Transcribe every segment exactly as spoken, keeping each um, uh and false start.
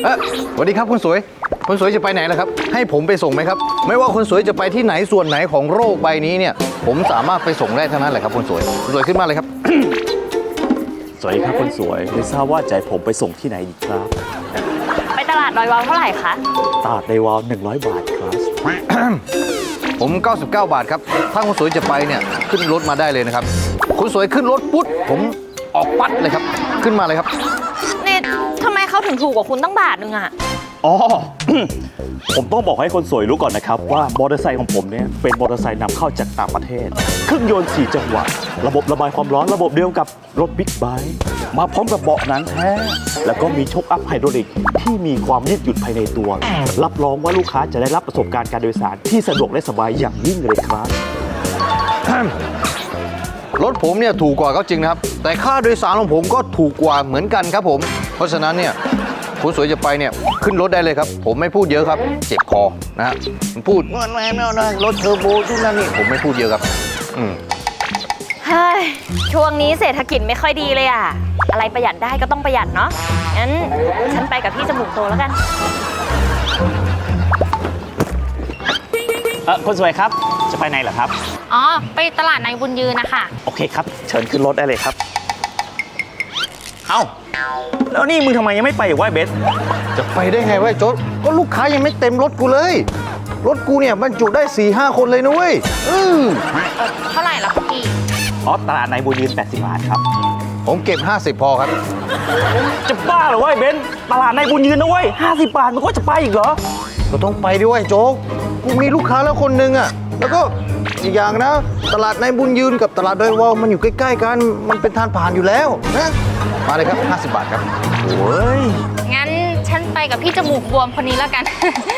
อสวัสดีครับคุณสวยคุณสวยจะไปไหนล่ะครับให้ผมไปส่งไหมครับไม่ว่าคุณสวยจะไปที่ไหนส่วนไหนของโลกใบนี้เนี่ยผมสามารถไปส่งได้ทั้งนั้นแหละครับคุณสวยคุณสวยขึ้นมาเลยครับสวัสดีครับคนสวยไม่ทราบว่าจะให้ผมไปส่งที่ไหนดีครับไปตลาดดอยวาวเท่าไหร่คะตลาดในวาวหนึ่งร้อยบาทครับผมเก้าสิบเก้าบาทครับถ้าคุณสวยจะไปเนี่ยขึ้นรถมาได้เลยนะครับคุณสวยขึ้นรถปุ๊บผมออกปั๊ดเลยครับขึ้นมาเลยครับนี่ทำไมเขาถึงถูกกว่าคุณตั้งบาทนึงอะอ๋อ ผมต้องบอกให้คนสวยรู้ก่อนนะครับว่ามอเตอร์ไซค์ของผมเนี่ยเป็นมอเตอร์ไซค์นำเข้าจากต่างประเทศเครื่องยนต์สี่จังหวะระบบระบายความร้อนระบบเดียวกับรถบิ๊กไบค์มาพร้อมกับเบาะหนังแท้แล้วก็มีโชคอัพไฮดรอลิกที่มีความยืดหยุ่นภายในตัว รับรองว่าลูกค้าจะได้รับประสบการณ์การโดยสารที่สะดวกและสบายอย่างยิ่งเลยครับรถผมเนี่ยถูกกว่าก็จริงนะครับแต่ค่าโดยสารของผมก็ถูกกว่าเหมือนกันครับผมเพราะฉะนั้นเนี่ยคุณสวยจะไปเนี่ยขึ้นรถได้เลยครับผมไม่พูดเยอะครับเจ็บคอนะฮะพูดว่าไม่ไม่ไม่รถเทอร์โบทุกนั่นนี่ผมไม่พูดเยอะครับอืมเฮ้ยช่วงนี้เศรษฐกิจไม่ค่อยดีเลยอะอะไรประหยัดได้ก็ต้องประหยัดเนาะงั้นฉันไปกับพี่จมูกโตแล้วกันเออคนสวยครับจะไปไหนเหรอครับอ๋อ ไปตลาดในบุญยืนนะคะโอเคครับเชิญขึ้นรถได้เลยครับเอ้าแล้วนี่มึงทำไมยังไม่ไปอีกวะเบสจะไปได้ไงวะโจ๊ดก็ลูกค้ายังไม่เต็มรถกูเลยรถกูเนี่ยบรรจุได้ สี่ห้า คนเลยนะเว้ยอือเออเท่าไหร่ล่ะพี่อ๋อตลาดในบุญยืนแปดสิบบาทครับผมเก็บห้าสิบพอครับจะบ้าเหรอวะไอ้เบนซ์ตลาดในบุญยืนนะเว้ยห้าสิบบาทมันก็จะไปอีกเหรอก็ต้องไปด้วยโจ๊กกูมีลูกค้าแล้วคนหนึ่งอ่ะแล้วก็อีกอย่างนะตลาดในบุญยืนกับตลาดดอยวาวมันอยู่ใกล้ๆกันมันเป็นทางผ่านอยู่แล้วนะมาเลยครับห้าสิบบาทครับโอ้ยงั้นฉันไปกับพี่จมูกบวมคนนี้แล้วกัน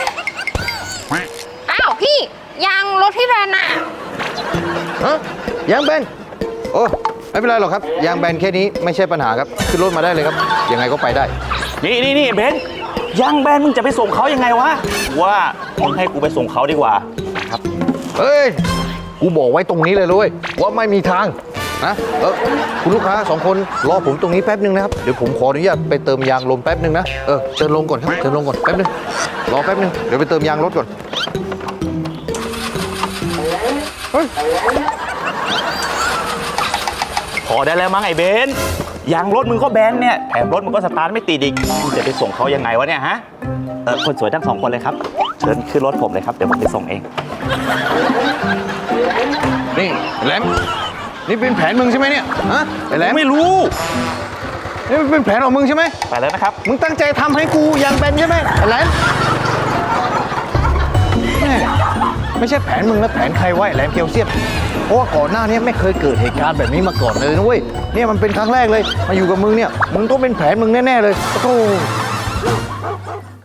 อ้าวพี่ยางรถพี่แบนน่ะฮะยางแบนโอ้ไม่เป็นไรหรอกครับยางแบนแค่นี้ไม่ใช่ปัญหาครับขึ้นรถมาได้เลยครับยังไงก็ไปได้นี่นี่นี่เบนซ์ยางแบนมึงจะไปส่งเขายังไงวะว่ามึงให้กูไปส่งเขาดีกว่าครับเฮ้ยกูบอกไว้ตรงนี้เลยเลยว่าไม่มีทางนะเออคุณลูกค้าสองคนรอผมตรงนี้แป๊บนึงนะครับเดี๋ยวผมขออนุญาตไปเติมยางลมแป๊บนึงนะเออเชิญลงก่อนครับเชิญลงก่อนแป๊บนึงรอแป๊บนึงเดี๋ยวไปเติมยางรถก่อนเฮ้ยพอได้แล้วมั้งไอ้เบนซ์ยางรถมึงก็แบนเนี่ยแถมรถมึงก็สตาร์ทไม่ติดอีกมึงจะไปส่งเขายังไงวะเนี่ยฮะเออคนสวยทั้งสองคนเลยครับเชิญขึ้นรถผมเลยครับเดี๋ยวผมไปส่งเองนี่แหลมนี่เป็นแผนมึงใช่ไหมเนี่ยฮะไอ้แหลมไม่รู้นี่เป็นแผนของมึงใช่ไหมไปแล้วนะครับมึงตั้งใจทำให้กูยางแบนใช่ไหมไอ้แหลมแม่ไม่ใช่แผนมึงแล้วแผนใครวะไอ้แหลมเกียวเซียนเพราะว่าก่อนหน้านี้ไม่เคยเกิดเหตุการณ์แบบนี้มาก่อนเลยนะเว้ยเนี่ยมันเป็นครั้งแรกเลยมาอยู่กับมึงเนี่ยมึงต้องเป็นแผนมึงแน่ๆเลยโอ้โห